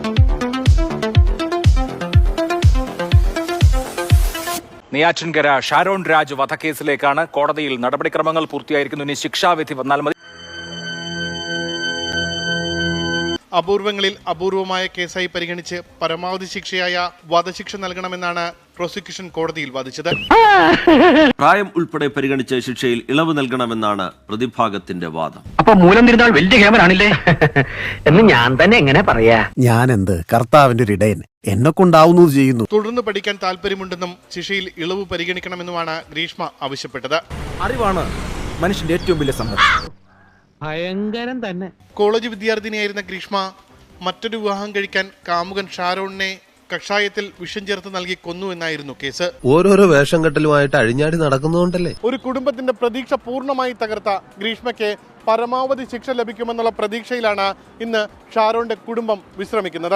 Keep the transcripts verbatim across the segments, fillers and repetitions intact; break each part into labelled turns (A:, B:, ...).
A: നെയ്യാറ്റിൻകര ഷാരോൺ രാജ് വധക്കേസിലേക്കാണ് കോടതിയിൽ നടപടിക്രമങ്ങൾ പൂർത്തിയായിരിക്കുന്നു. ഇനി ശിക്ഷാവിധി വന്നാൽ മതി.
B: അപൂർവങ്ങളിൽ അപൂർവമായ കേസായി പരിഗണിച്ച് പരമാവധി ശിക്ഷയായ വധശിക്ഷ നൽകണമെന്നാണ് പ്രോസിക്യൂഷൻ കോടതിയിൽ വാദിച്ചത്.
C: പ്രായം ഉൾപ്പെടെ പരിഗണിച്ച് ശിക്ഷയിൽ ഇളവ് നൽകണമെന്നാണ് പ്രതിഭാഗത്തിന്റെ വാദം.
D: അപ്പൊ മൂലം തിരുന്നാൾ വലിയ ക്യാമറാണില്ലേ എന്ന് ഞാൻ തന്നെ എങ്ങനെ പറയാ?
E: ഞാൻ എന്ത് കർത്താവിന്റെ ഒരു ഇടയൻ, എന്നെ കൊണ്ടാവുന്നത് ചെയ്യുന്നു.
B: തുടർന്ന് പഠിക്കാൻ താല്പര്യമുണ്ടെന്നും ശിക്ഷയിൽ ഇളവ് പരിഗണിക്കണമെന്നുമാണ് ഗ്രീഷ്മ ആവശ്യപ്പെട്ടത്.
E: അറിവാണ് മനുഷ്യന്റെ ഏറ്റവും വലിയ സമ്പത്ത്.
D: ഭയങ്കരം തന്നെ.
B: കോളേജ് വിദ്യാർത്ഥിനിയായിരുന്ന ഗ്രീഷ്മ മറ്റൊരു വിവാഹം കഴിക്കാൻ കാമുകൻ ഷാരോണിനെ കഷായത്തിൽ വിഷം ചേർത്ത് നൽകി കൊന്നു എന്നായിരുന്നു കേസ്.
F: ഓരോരോ വേഷം കെട്ടലുമായിട്ട് അഴിഞ്ഞാടി നടക്കുന്നതുകൊണ്ടല്ലേ
B: ഒരു കുടുംബത്തിന്റെ പ്രതീക്ഷ പൂർണ്ണമായി തകർത്ത ഗ്രീഷ്മയ്ക്ക് പരമാവധി ശിക്ഷ ലഭിക്കുമെന്നുള്ള പ്രതീക്ഷയിലാണ് ഇന്ന് ഷാരോണിന്റെ കുടുംബം വിശ്രമിക്കുന്നത്.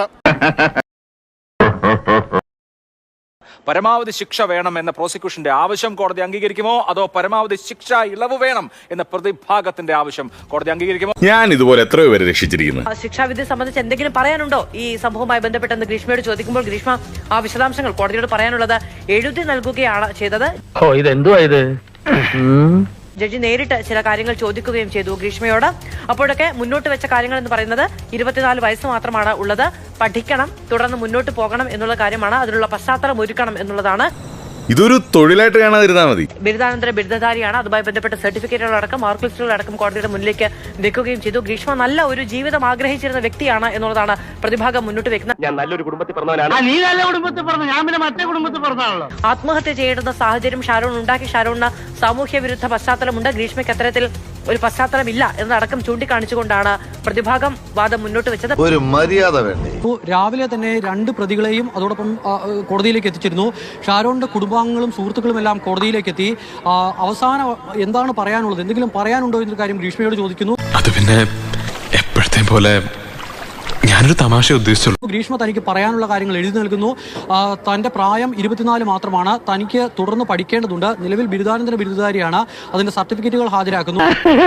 A: പരമാവധി ശിക്ഷ വേണം എന്ന പ്രോസിക്യൂഷന്റെ ആവശ്യം കോടതി അംഗീകരിക്കുമോ, അതോ പരമാവധി ശിക്ഷ ഇളവ് വേണം എന്ന പ്രതിഭാഗത്തിന്റെ ആവശ്യം കോടതി അംഗീകരിക്കുമോ?
G: ഞാൻ ഇതുപോലെ എത്രയോ പേരെ രക്ഷിച്ചിരിക്കുന്നു.
H: ശിക്ഷാവിധി സംബന്ധിച്ച് എന്തെങ്കിലും പറയാനുണ്ടോ ഈ സംഭവവുമായി ബന്ധപ്പെട്ടെന്ന് ഗ്രീഷ്മയോട് ചോദിക്കുമ്പോൾ ഗ്രീഷ്മ ആ വിശദാംശങ്ങൾ കോടതിയോട് പറയാനുള്ളത് എഴുതി നൽകുകയാണ് ചെയ്തത്.
D: ഓ ഇതെന്തുവാ ഇത്?
H: ജഡ്ജി നേരിട്ട് ചില കാര്യങ്ങൾ ചോദിക്കുകയും ചെയ്തു ഗ്രീഷ്മയോട്. അപ്പോഴൊക്കെ മുന്നോട്ട് വെച്ച കാര്യങ്ങൾ എന്ന് പറയുന്നത് ഇരുപത്തിനാല് വയസ്സ് മാത്രമാണ് ഉള്ളത്, പഠിക്കണം, തുടർന്ന് മുന്നോട്ട് പോകണം എന്നുള്ള കാര്യമാണ്, അതിനുള്ള പശ്ചാത്തലം ഒരുക്കണം എന്നുള്ളതാണ്.
G: ഇതൊരു തൊഴിലായിട്ട് കാണാതിരുന്നാൽ മതി.
H: ബിരുദാനന്തര ബിരുദധാരിയാണ്. അതുമായി ബന്ധപ്പെട്ട സർട്ടിഫിക്കറ്റുകളടക്കം മാർക്ക് ലിസ്റ്റുകളടക്കം കോടതിയുടെ മുന്നിലേക്ക് വെക്കുകയും ചെയ്തു. ഗ്രീഷ്മ നല്ല ഒരു ജീവിതം ആഗ്രഹിച്ചിരുന്ന വ്യക്തിയാണ് എന്നുള്ളതാണ് പ്രതിഭാഗം മുന്നോട്ട് വെക്കുന്നത്.
D: ഞാൻ നല്ലൊരു കുടുംബത്തിൽ പറഞ്ഞവനാണ്. നീ നല്ല കുടുംബത്തിൽ പറഞ്ഞു, ഞാൻ പിന്നെ മറ്റേ കുടുംബത്തിൽ പറഞ്ഞാണല്ലോ.
H: ആത്മഹത്യ ചെയ്യേണ്ടുന്ന സാഹചര്യം ഷാരോൺ ഉണ്ടാക്കി. ഷാരോണിന് സാമൂഹ്യ വിരുദ്ധ പശ്ചാത്തലമുണ്ട്. ഗ്രീഷ്മയ്ക്ക് അത്തരത്തിൽ ഒരു പശ്ചാത്തലമില്ല എന്നതടക്കം ചൂണ്ടിക്കാണിച്ചുകൊണ്ടാണ് പ്രതിഭാഗം വാദം മുന്നോട്ട് വെച്ചത്.
F: ഒരു മര്യാദ വേണ്ടേ?
I: രാവിലെ തന്നെ രണ്ട് പ്രതികളെയും അതോടൊപ്പം കോടതിയിലേക്ക് എത്തിച്ചിരുന്നു. ഷാരോണിന്റെ കുടുംബാംഗങ്ങളും സുഹൃത്തുക്കളും എല്ലാം കോടതിയിലേക്ക് എത്തി. അവസാനം എന്താണ് പറയാനുള്ളത്, എന്തെങ്കിലും പറയാനുണ്ടോ എന്നൊരു കാര്യം ഗ്രീഷ്മയോട് ചോദിക്കുന്നു.
J: അത് പിന്നെ എപ്പോഴത്തെ പോലെ ഞാനൊരു തമാശ ഉദ്ദേശിച്ചുള്ളൂ.
I: ഗ്രീഷ്മ തനിക്ക് പറയാനുള്ള കാര്യങ്ങൾ എഴുതി നൽകുന്നു. തന്റെ പ്രായം ഇരുപത്തിനാല് മാത്രമാണ്, തനിക്ക് തുടർന്ന് പഠിക്കേണ്ടതുണ്ട്, നിലവിൽ ബിരുദാനന്തര ബിരുദധാരിയാണ്, അതിന്റെ സർട്ടിഫിക്കറ്റുകൾ ഹാജരാക്കുന്നു.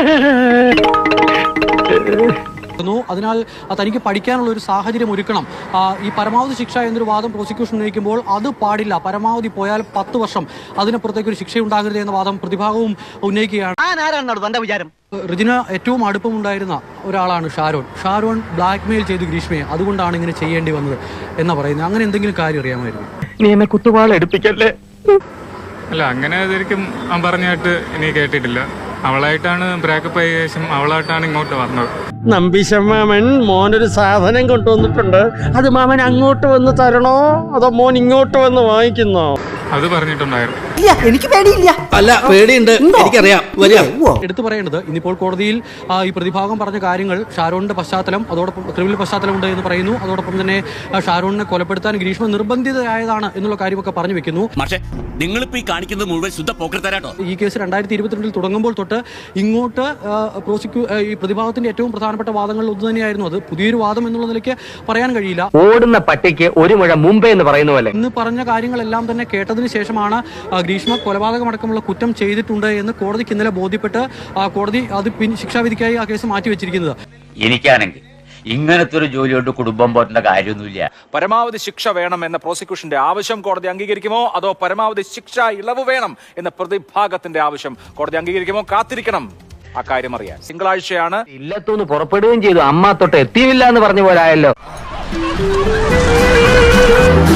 I: അതിനാൽ തനിക്ക് പഠിക്കാനുള്ള ഒരു സാഹചര്യം ഒരുക്കണം. ഈ പരമാവധി ശിക്ഷ എന്നൊരു വാദം പ്രോസിക്യൂഷൻ ഉന്നയിക്കുമ്പോൾ അത് പാടില്ല, പരമാവധി പോയാൽ പത്ത് വർഷം, അതിനപ്പുറത്തേക്ക് ഒരു ശിക്ഷ ഉണ്ടാകരുത് എന്ന വാദം പ്രതിഭാഗവും ഉന്നയിക്കുകയാണ്. റിജിന ഏറ്റവും അടുപ്പമുണ്ടായിരുന്ന ഒരാളാണ് ഷാരോൺ. ഷാരോൺ ബ്ലാക്ക് മെയിൽ ചെയ്തു ഗ്രീഷ്മയെ, അതുകൊണ്ടാണ് ഇങ്ങനെ ചെയ്യേണ്ടി വന്നത് എന്നാ പറയുന്നത്. അങ്ങനെ എന്തെങ്കിലും കാര്യം അറിയാമായിരുന്നു?
D: നീ എന്നെ കുത്തുവാള എടുപ്പിക്കല്ലേ?
J: അല്ല, അങ്ങനെ ശരിക്കും പറഞ്ഞായിട്ട് ഇനി കേട്ടിട്ടില്ല. അവളായിട്ടാണ് ബ്രേക്കപ്പ് ആയ ശേഷം അവളായിട്ടാണ് ഇങ്ങോട്ട് വന്നത്.
D: നമ്പീശമാമൻ മോനൊരു സാധനം കൊണ്ടുവന്നിട്ടുണ്ട്, അത് മാമൻ അങ്ങോട്ട് വന്ന് തരണോ അതോ മോൻ ഇങ്ങോട്ട് വന്ന് വാങ്ങിക്കുന്നോ?
J: അത് പറഞ്ഞിട്ടുണ്ടായിരുന്നു.
E: എനിക്ക് പേടിയില്ല. അല്ല, പേടിയുണ്ട്, എനിക്കറിയാം.
I: എടുത്തു പറയേണ്ടത് ഇന്നിപ്പോൾ കോടതിയിൽ ഈ പ്രതിഭാഗം പറഞ്ഞ കാര്യങ്ങൾ, ഷാരോണിന്റെ പശ്ചാത്തലം, അതോടൊപ്പം ക്രിമിനൽ പശ്ചാത്തലമുണ്ട് എന്ന് പറയുന്നു. അതോടൊപ്പം തന്നെ ഷാരോണിനെ കൊലപ്പെടുത്താൻ ഗ്രീഷ്മ നിർബന്ധിതയായതാണ് എന്നുള്ള കാര്യമൊക്കെ പറഞ്ഞു വെക്കുന്നു.
C: നിങ്ങളിപ്പോ ഈ കാണിക്കുന്നത് മുഴുവൻ ശുദ്ധ പോക്കർത്തരാട്ടോ.
I: ഈ കേസ് രണ്ടായിരത്തി ഇരുപത്തിരണ്ടിൽ തുടങ്ങുമ്പോൾ തൊട്ട് ഇങ്ങോട്ട് പ്രോസിക്യൂ ഈ പ്രതിഭാഗത്തിന്റെ ഏറ്റവും പ്രധാനപ്പെട്ട വാദങ്ങളിൽ ഒന്ന് തന്നെയായിരുന്നു. അത് പുതിയൊരു വാദം എന്നുള്ള നിലയ്ക്ക് പറയാൻ കഴിയില്ല.
D: ഓടുന്ന പട്ടിക്ക് ഒരു മുഴ മുമ്പേ എന്ന് പറയുന്ന പോലെ
I: ഇന്ന് പറഞ്ഞ കാര്യങ്ങളെല്ലാം തന്നെ കേട്ടതിന് ശേഷമാണ് ഗ്രീഷ്മ കൊലപാതകമടക്കമുള്ള കുറ്റം ചെയ്തിട്ടുണ്ട് എന്ന് കോടതിക്ക് ഇന്നലെ ബോധ്യപ്പെട്ട് കോടതി അത് ശിക്ഷാവിധിക്കായി ആ കേസ് മാറ്റിവെച്ചിരിക്കുന്നത്.
K: എനിക്കാണെങ്കിൽ ഇങ്ങനത്തെ ഒരു ജോലിയോട് കുടുംബം പോറ്റേണ്ട കാര്യമൊന്നുമില്ല.
A: പരമാവധി ശിക്ഷ വേണം എന്ന പ്രോസിക്യൂഷന്റെ ആവശ്യം കോടതി അംഗീകരിക്കുമോ, അതോ പരമാവധി ശിക്ഷ ഇളവ് വേണം എന്ന പ്രതിഭാഗത്തിന്റെ ആവശ്യം കോടതി അംഗീകരിക്കുമോ? കാത്തിരിക്കണം അക്കാര്യം അറിയാൻ. തിങ്കളാഴ്ചയാണ്
D: ഇല്ലത്തൊന്ന് പുറപ്പെടുകയും ചെയ്തു. അമ്മ തൊട്ട് എത്തിയില്ല എന്ന് പറഞ്ഞ പോലായല്ലോ.